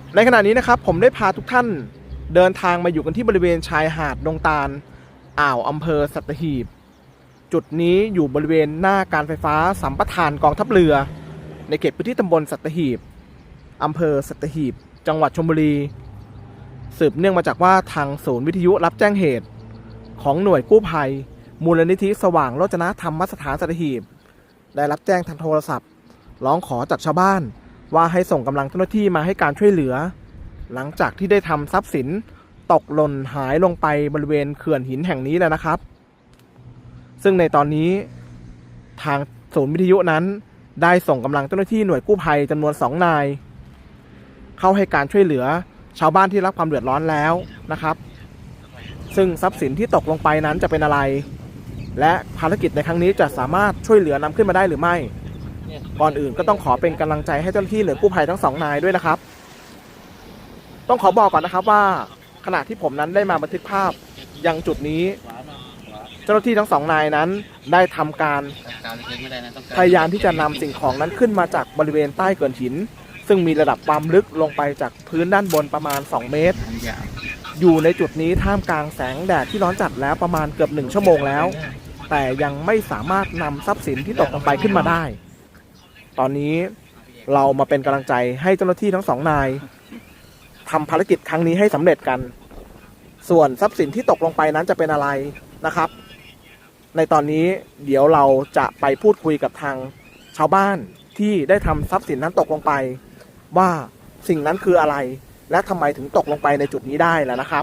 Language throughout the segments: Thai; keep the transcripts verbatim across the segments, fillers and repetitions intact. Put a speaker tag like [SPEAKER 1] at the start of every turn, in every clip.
[SPEAKER 1] ในขณะนี้นะครับผมได้พาทุกท่านเดินทางมาอยู่กันที่บริเวณชายหาดดงตาลอ่าวอำเภอสัตหีบจุดนี้อยู่บริเวณหน้าการไฟฟ้าสัมปทานกองทัพเรือในเขตพื้นที่ตำบลสัตหีบอำเภอสัตหีบจังหวัดชลบุรีสืบเนื่องมาจากว่าทางศูนย์วิทยุรับแจ้งเหตุของหน่วยกู้ภัยมูลนิธิสว่างโรจนธรรมสถานสัตหีบได้รับแจ้งทางโทรศัพท์ร้องขอจากชาวบ้านว่าให้ส่งกำลังเจ้าหน้าที่มาให้การช่วยเหลือหลังจากที่ได้ทำทรัพย์สินตกหล่นหายลงไปบริเวณเขื่อนหินแห่งนี้แล้วนะครับซึ่งในตอนนี้ทางศูนย์วิทยุนั้นได้ส่งกำลังเจ้าหน้าที่หน่วยกู้ภัยจำนวนสองนายเข้าให้การช่วยเหลือชาวบ้านที่รับความเดือดร้อนแล้วนะครับซึ่งทรัพย์สินที่ตกลงไปนั้นจะเป็นอะไรและภารกิจในครั้งนี้จะสามารถช่วยเหลือนำขึ้นมาได้หรือไม่ก่อนอื่นก็ต้องขอเป็นกำลังใจให้เจ้าหน้าที่หน่วยกู้ภัยทั้งสองนายด้วยนะครับต้องขอบอกก่อนนะครับว่าขณะที่ผมนั้นได้มาบันทึกภาพยังจุดนี้เจ้าหน้าที่ทั้งสองนายนั้นได้ทำการพยายามที่จะนำสิ่งของนั้นขึ้นมาจากบริเวณใต้เขื่อนหินซึ่งมีระดับความลึกลงไปจากพื้นด้านบนประมาณสองเมตรอยู่ในจุดนี้ท่ามกลางแสงแดดที่ร้อนจัดแล้วประมาณเกือบหนึ่งชั่วโมงแล้วแต่ยังไม่สามารถนำทรัพย์สินที่ตกลงไปขึ้นมาได้ตอนนี้เรามาเป็นกำลังใจให้เจ้าหน้าที่ทั้งสองนายทำภารกิจครั้งนี้ให้สำเร็จกันส่วนทรัพย์สินที่ตกลงไปนั้นจะเป็นอะไรนะครับในตอนนี้เดี๋ยวเราจะไปพูดคุยกับทางชาวบ้านที่ได้ทำทรัพย์สินนั้นตกลงไปว่าสิ่งนั้นคืออะไรและทำไมถึงตกลงไปในจุดนี้ได้แล้วนะครับ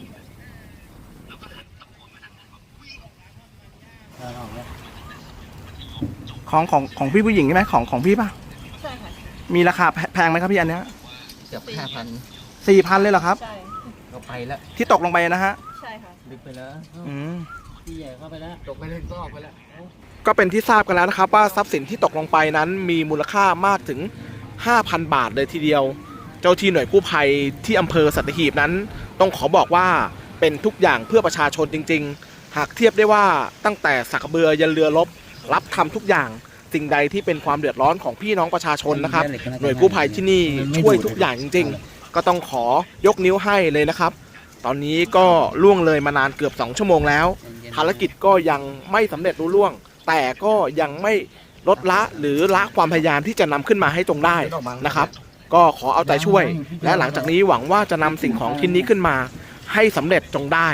[SPEAKER 1] ของของของพี่ผู้หญิงใช่ไหมของของพี่ป่ะใช่ค่ะมีราคาแพงไหมครับพี่อันเนี้ย
[SPEAKER 2] เกือบห้าพัน
[SPEAKER 1] สี่พันเลยเหรอครับ
[SPEAKER 2] ใช่ก็ไปแล้ว
[SPEAKER 1] ที่ตกลงไปนะฮะ
[SPEAKER 2] ใช่ค่ะลึกไปแล้วอืมที่ใหญ่เข้าไปแล้วตกไปเลยก็ออกไปแล้ว
[SPEAKER 1] ก็เป็นที่ทราบกันแล้วนะครับว่าทรัพย์สินที่ตกลงไปนั้นมีมูลค่ามากถึง ห้าพัน บาทเลยทีเดียวเจ้าที่หน่วยกู้ภัยที่อำเภอสัตหีบนั้นต้องขอบอกว่าเป็นทุกอย่างเพื่อประชาชนจริงๆหากเทียบได้ว่าตั้งแต่สักเบือยันเรือรบรับทำทุกอย่างสิ่งใดที่เป็นความเดือดร้อนของพี่น้องประชาชนนะครับหน่วยกู้ภัยที่นี่ช่วยทุกอย่างจริงๆก็ต้องขอยกนิ้วให้เลยนะครับตอนนี้ก็ล่วงเลยมานานเกือบสองชั่วโมงแล้วภารกิจก็ยังไม่สำเร็จรุ่ล่วงแต่ก็ยังไม่ลดละหรือละความพยายามที่จะนำขึ้นมาให้ตรงได้นะครับก็ขอเอาใจช่วยและหลังจากนี้หวังว่าจะนำสิ่งของชิ้นนี้ขึ้นมาให้สำเร็จจงได้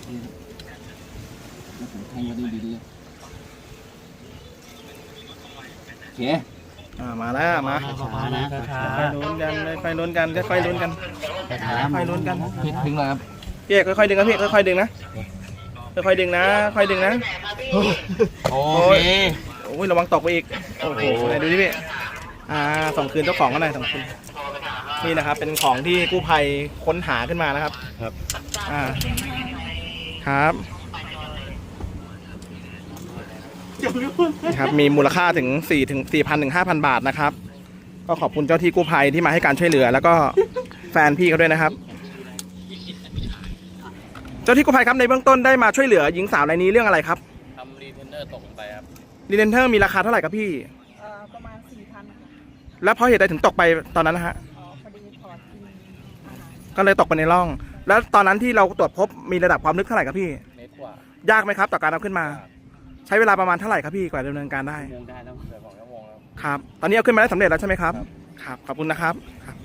[SPEAKER 2] โอเค
[SPEAKER 1] มาแล้วมาค่อยลุ้นกันค่อยลุ้นกันค่อยลุ้นกันค่อยลุ้นกัน
[SPEAKER 2] ดึงเลยครับ
[SPEAKER 1] พี่เอกค่อยๆดึงนะพี่ค่อยๆดึงนะค่อยๆดึงนะค่อยดึงนะ
[SPEAKER 2] โอเค
[SPEAKER 1] โอ้ยระวังตกไปอีกโอ้โหไหนดูดิพี่อ่าส่งคืนเจ้าของกันหน่อยส่งคืนนี่นะครับเป็นของที่กู้ภัยค้นหาขึ้นมานะครับ
[SPEAKER 2] ครับ
[SPEAKER 1] อ่าครับครับมีมูลค่าถึงสี่ถึงสี่พันถึงห้าพันบาทนะครับก็ขอบคุณเจ้าที่กู้ภัยที่มาให้การช่วยเหลือแล้วก็แฟนพี่เขาด้วยนะครับเจ้าที่กู้ภัยครับในเบื้องต้นได้มาช่วยเหลือหญิงสาวรายนี้เรื่องอะไรครับ
[SPEAKER 2] ทำรีเทนเนอร์ตกลงไปครับ
[SPEAKER 1] รีเทนเนอร์มีราคาเท่าไหร่ครับพี่
[SPEAKER 3] ประมาณสี่พัน
[SPEAKER 1] แล้วเพราะเหตุใดถึงตกไปตอนนั้นนะฮะ
[SPEAKER 3] อ๋อพอดีถอดกิน
[SPEAKER 1] ก็เลยตกไปในร่องแล้วตอนนั้นที่เราตรวจพบมีระดับความลึกเท่าไหร่ครับพี่
[SPEAKER 2] เมตรกว่าย
[SPEAKER 1] ากไหมครับต่อการเอาขึ้นมาใช้เวลาประมาณเท่าไหร่ครับพี่กว่าดำเนินการได้
[SPEAKER 2] ชั่วโมงได้แล้วเกือบสองชั่วโมงแล้ว
[SPEAKER 1] ครับตอนนี้เอาขึ้นมาได้สำเร็จแล้วใช่ไหมครับครับขอบคุณนะครับครับ